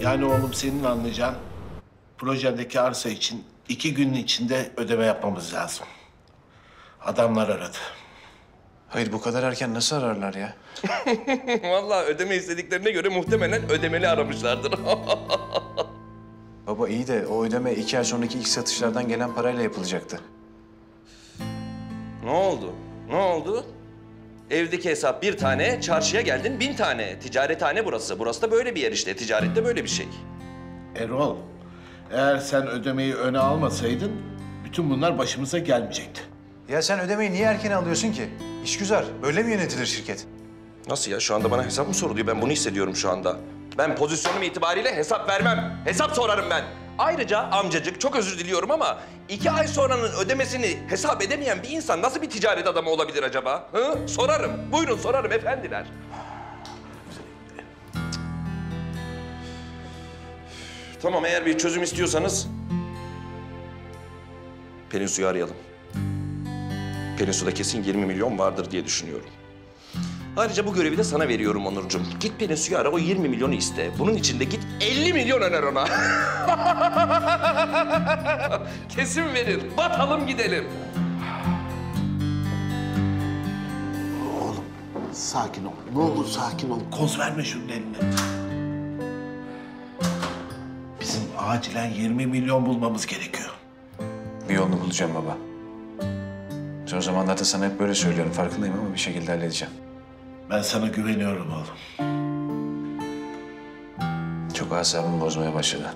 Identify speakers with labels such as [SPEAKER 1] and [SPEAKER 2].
[SPEAKER 1] Yani oğlum senin anlayacağın projedeki arsa için 2 günün içinde ödeme yapmamız lazım. Adamlar aradı.
[SPEAKER 2] Hayır bu kadar erken nasıl ararlar ya?
[SPEAKER 3] Vallahi ödeme istediklerine göre muhtemelen ödemeli aramışlardır.
[SPEAKER 2] Baba iyi de o ödeme 2 ay sonraki ilk satışlardan gelen parayla yapılacaktı.
[SPEAKER 3] Ne oldu? Ne oldu? Evdeki hesap 1 tane, çarşıya geldin 1000 tane. Ticarethane burası. Burası da böyle bir yer işte. Ticarette böyle bir şey.
[SPEAKER 1] Erol, eğer sen ödemeyi öne almasaydın bütün bunlar başımıza gelmeyecekti.
[SPEAKER 2] Ya sen ödemeyi niye erken alıyorsun ki? İşgüzar. Böyle mi yönetilir şirket?
[SPEAKER 3] Nasıl ya? Şu anda bana hesap mı soruluyor? Ben bunu hissediyorum şu anda. Ben pozisyonum itibariyle hesap vermem. Hesap sorarım ben. Ayrıca amcacık çok özür diliyorum ama 2 ay sonranın ödemesini hesap edemeyen bir insan nasıl bir ticaret adamı olabilir acaba? Hı? Sorarım. Buyurun sorarım efendiler. Tamam eğer bir çözüm istiyorsanız Pelin Su'yu arayalım. Pelin Su'da kesin 20 milyon vardır diye düşünüyorum. Ayrıca bu görevi de sana veriyorum Onurcuğum. Git Pelin Su'yu ara, o 20 milyonu iste. Bunun için de git 50 milyon öner ona. Kesin verir. Batalım gidelim.
[SPEAKER 1] Oğlum sakin ol. Ne olur sakin ol. Koz verme şunun eline. Bizim acilen 20 milyon bulmamız gerekiyor.
[SPEAKER 2] Bir yolunu bulacağım baba. Son zamanlarda sana hep böyle söylüyorum. Farkındayım ama bir şekilde halledeceğim.
[SPEAKER 1] Ben sana güveniyorum oğlum.
[SPEAKER 2] Çok asabımı bozmaya başladı.